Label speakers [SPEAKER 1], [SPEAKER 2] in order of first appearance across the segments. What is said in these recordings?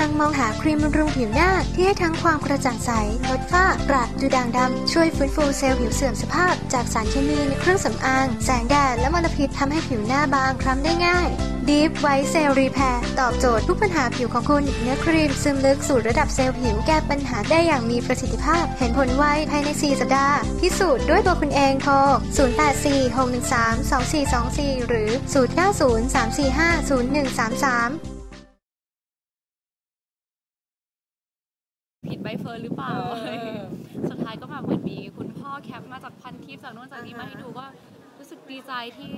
[SPEAKER 1] งมองหาครีมบำรุงผิวหน้าที่ให้ทั้งความกระจ่างใสลดฝ้ากระดูด่างดำช่วยฟื้นฟูเซลล์ผิวเสื่อมสภาพจากสารเคมีในเครื่องสำอางแสงแดดและมลพิษทำให้ผิวหน้าบางคล้ำได้ง่าย Deep White Cell Repair ตอบโจทย์ทุกปัญหาผิวของคุณเนื้อครีมซึมลึกสู่ระดับเซลล์ผิวแก้ปัญหาได้อย่างมีประสิทธิภาพเห็นผลไวภายใน4 สัปดาห์พิสูจน์ด้วยตัวคุณเองโทร0846132424หรือ0903450133
[SPEAKER 2] ผิดใบเฟิร์นหรือเปล่าสุดท้ายก็แบบเหมือนมีคุณพ่อแคปมาจากพันทิปจากโน่นจากนี้มาให้ดูก็รู้สึกดีใจที่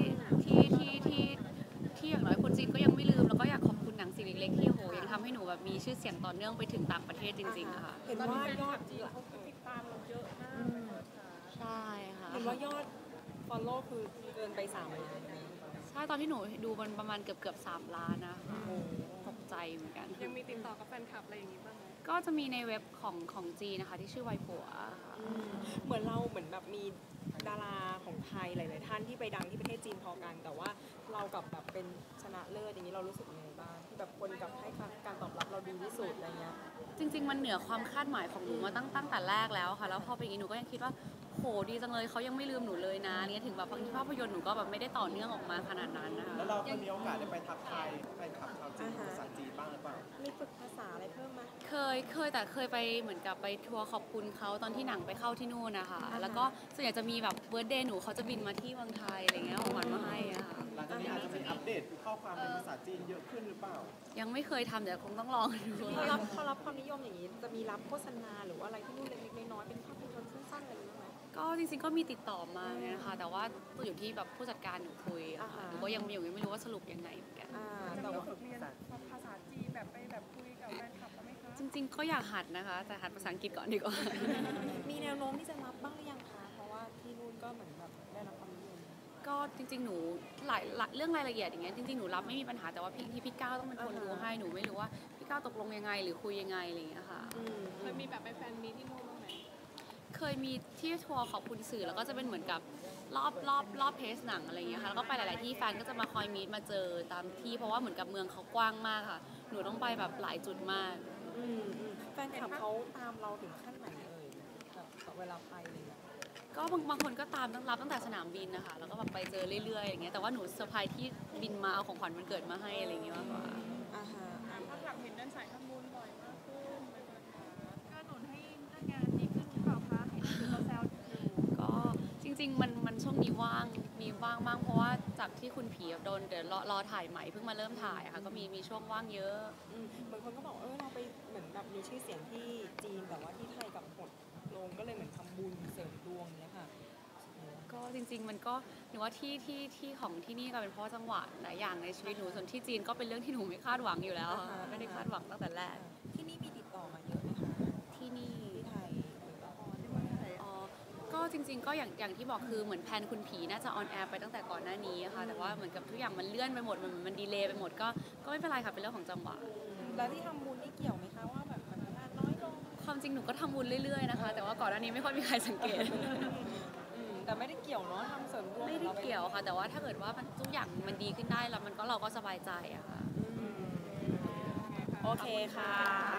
[SPEAKER 2] อย่างน้อยคนจีนก็ยังไม่ลืมแล้วก็อยากขอบคุณหนังสิ่งเล็กๆที่โหยังทำให้หนูแบบมีชื่อเสียงต่อเนื่องไปถึงต่างประเทศจริงๆค่ะ
[SPEAKER 3] เห็นว่ายอดจีนเขาติดตามเราเยอะมาก
[SPEAKER 2] ใช่ค่ะ
[SPEAKER 3] เห็นว่ายอด follow คือเกินไป3 ล้าน
[SPEAKER 2] ใช่ตอนที่หนูดูมันประมาณเกือบ3 ล้านนะตกใจเหมือนกัน
[SPEAKER 3] ยังมีติดต่อกับแฟนคลับอะไรอย่างนี้บ้างไหม
[SPEAKER 2] ก็จะมีในเว็บของจีนนะคะที่ชื่อไวปัว
[SPEAKER 3] เหมือนเราเหมือนแบบมีดาราของไทยหลายๆท่านที่ไปดังที่ประเทศจีนพอกันแต่ว่าเรากับแบบเป็นชนะเลิศอย่างนี้เรารู้สึกยังไงบ้างที่แบบคนกับให้การตอบรับเราดีที่สุดอะไรเงี้ย
[SPEAKER 2] จริงๆมันเหนือความคาดหมายของหนูมาตั้งแต่แรกแล้วค่ะแล้วพอเป็นอย่างนี้หนูก็ยังคิดว่าโหดีจังเลยเขายังไม่ลืมหนูเลยนะเนี่ยถึงแบบบางทีภาพยนตร์หนูก็แบบไม่ได้ต่อเนื่องออกมาขนาดนั้นนะคะ
[SPEAKER 4] แล้วเราเคยมีโอกาสได้ไปทักทายแฟนคลับชาวจีนภาษาจีนบ้างหรือเปล่า
[SPEAKER 3] มีฝึกภาษาอะไรเพิ่มไหม
[SPEAKER 2] เคยแต่เคยไปเหมือนกับไปทัวร์ขอบคุณเขาตอนที่หนังไปเข้าที่นู่นนะคะแล้วก็ส่วนใหญ่จะมีแบบเบิร์ธเดย์หนูเขาจะบินมาที่เมืองไทยอะไรเงี้ยของขวัญมาให้อะค่ะ
[SPEAKER 4] หลังจากนี้อาจจะเป็นอัปเดตข้อความเป็นภาษาจีนเยอะขึ้นหรือเปล่า
[SPEAKER 2] ยังไม่เคยทำแต่คงต้องลองดู
[SPEAKER 3] เขารับความนิยมอย่างนี้จะมีรับโฆษณาหรือว่าอะไรที่นู่นเล็กๆน้อยๆเป็นภาพยนตร์สั้นๆอะไรอย่างเงี้ย
[SPEAKER 2] ก็จริงๆก็มีติดต่อมานะคะแต่ว่าอยู่ที่แบบผู้จัดการหนูคุยหนูก็ยังไม่รู้ว่าสรุปยังไงเหมือนกัน
[SPEAKER 3] แต่ว่าฝึกเรียนภาษาจีนแบบไปแบบคุยกับแฟนคลับไหมคะ
[SPEAKER 2] จริงๆก็อยากหัดนะคะแต่หัดภาษาอังกฤษก่อนดีกว่า
[SPEAKER 3] มีแนวโน้มที่จะรับบ้างหรือยังคะเพราะว่าที่นู่นก็เหมือนแบบได้รับความนิยม
[SPEAKER 2] ก็จริงๆหนูหลายเรื่องรายละเอียดอย่างเงี้ยจริงๆหนูรับไม่มีปัญหาแต่ว่าพี่ก้าวต้องเป็นคนดูให้หนูไม่รู้ว่าพี่ก้าวตกลงยังไงหรือคุยยังไงอะไรอย่างเงี้ยค่ะ
[SPEAKER 3] เคยมีแบบไปแฟนมีที่นู่นบ้างไหม
[SPEAKER 2] เคยมีที่ทัวร์ขอบคุณสื่อแล้วก็จะเป็นเหมือนกับรอบเพจหนังอะไรอย่างเงี้ยค่ะแล้วก็ไปหลายๆที่แฟนก็จะมาคอยมีมาเจอตามที่เพราะว่าเหมือนกับเมืองเขากว้างมากค่ะหนูต้องไปแบบหลายจุดมาก
[SPEAKER 3] แฟนคลับเขาตามเราถึงขั้นไหนแบบเวลาไปอะไรเงี้ย
[SPEAKER 2] ก็บางคนก็ตามตั้งแต่สนามบินนะคะแล้วก็แบบไปเจอเรื่อยๆอย่างเงี้ยแต่ว่าหนูเซอร์ไพรส์ที่บินมาเอาของขวัญวันเกิดมาให้อะไรอย่างเงี้ยมากกว่า
[SPEAKER 3] ภาพหลักเห็นเดินสายทำบุญบ่อยมากขึ้นก็หนุนให้เรื่องงานดีขึ้นหรือเปล่าคะเห็นเขาแซว
[SPEAKER 2] ก็จริงๆมันช่วงนี้มีว่างบ้างเพราะว่าจากที่คุณผีโดนเดี๋ยวรอถ่ายใหม่เพิ่งมาเริ่มถ่ายค่ะก็มีช่วงว่างเยอะ
[SPEAKER 3] บางคนก็บอกเราไปเหมือนแบบมีชื่อเสียงที่จีนแต่ว่าที่ไทยกับหดลงก็เลยเหมือนทำบุญเสริมดวงเนี้ยค่ะ
[SPEAKER 2] ก็จริงๆมันก็หนูว่าที่ของที่นี่ก็เป็นเพราะจังหวะหลายอย่างในชีวิตหนูส่วนที่จีนก็เป็นเรื่องที่หนูไม่คาดหวังอยู่แล้วไม่ได้คาดหวังตั้งแต่แรก
[SPEAKER 3] ที่นี่มีติดต่อมาเยอะไหมคะ
[SPEAKER 2] ที่นี่
[SPEAKER 3] ที่ไทยหรือละครที่เมืองไทย
[SPEAKER 2] ก็จริงๆก็อย่างที่บอกคือเหมือนแพลนคุณผีน่าจะออนแอร์ไปตั้งแต่ก่อนหน้านี้ค่ะแต่ว่าเหมือนกับทุกอย่างมันเลื่อนไปหมดมันดีเลย์ไปหมดก็ไม่เป็นไรค่ะเป็นเรื่องของจังหวะ
[SPEAKER 3] แล้วที่ทำบุญนี่เกี่ยวไหมคะว่าแบบมันงานน้อยลง
[SPEAKER 2] ความจริงหนูก็ทำบุญเรื่อยๆนะคะแต่ว่าก่อนหน้านี้ไม่ค่อยมีใครสังเกต
[SPEAKER 3] แต่ไม่ได้เกี่ยวเนาะทำเสริมดวง
[SPEAKER 2] ไม่ได้เกี่ยวค่ะแต่ว่าถ้าเกิดว่าทุกอย่างมันดีขึ้นได้แล้วเราก็สบายใจอะค่ะ
[SPEAKER 3] โอเคค่ะ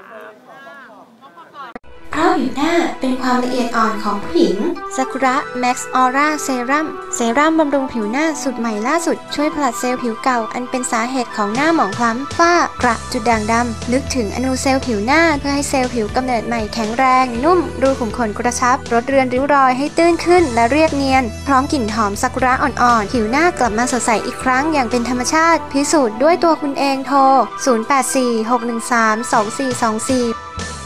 [SPEAKER 1] เพราะผิวหน้าเป็นความละเอียดอ่อนของผู้หญิงซากุระแม็กซ์ออร่าเซรั่มบำรุงผิวหน้าสูตรใหม่ล่าสุดช่วยผลัดเซลล์ผิวเก่าอันเป็นสาเหตุของหน้าหมองคล้ำฝ้ากระจุดด่างดำลึกถึงอนูเซลล์ผิวหน้าเพื่อให้เซลล์ผิวกำเนิดใหม่แข็งแรงนุ่มรูขุมขนกระชับลดเรือนริ้วรอยให้ตื้นขึ้นและเรียบเนียนพร้อมกลิ่นหอมซากุระอ่อนๆผิวหน้ากลับมาสดใสอีกครั้งอย่างเป็นธรรมชาติพิสูจน์ด้วยตัวคุณเองโทร0846132424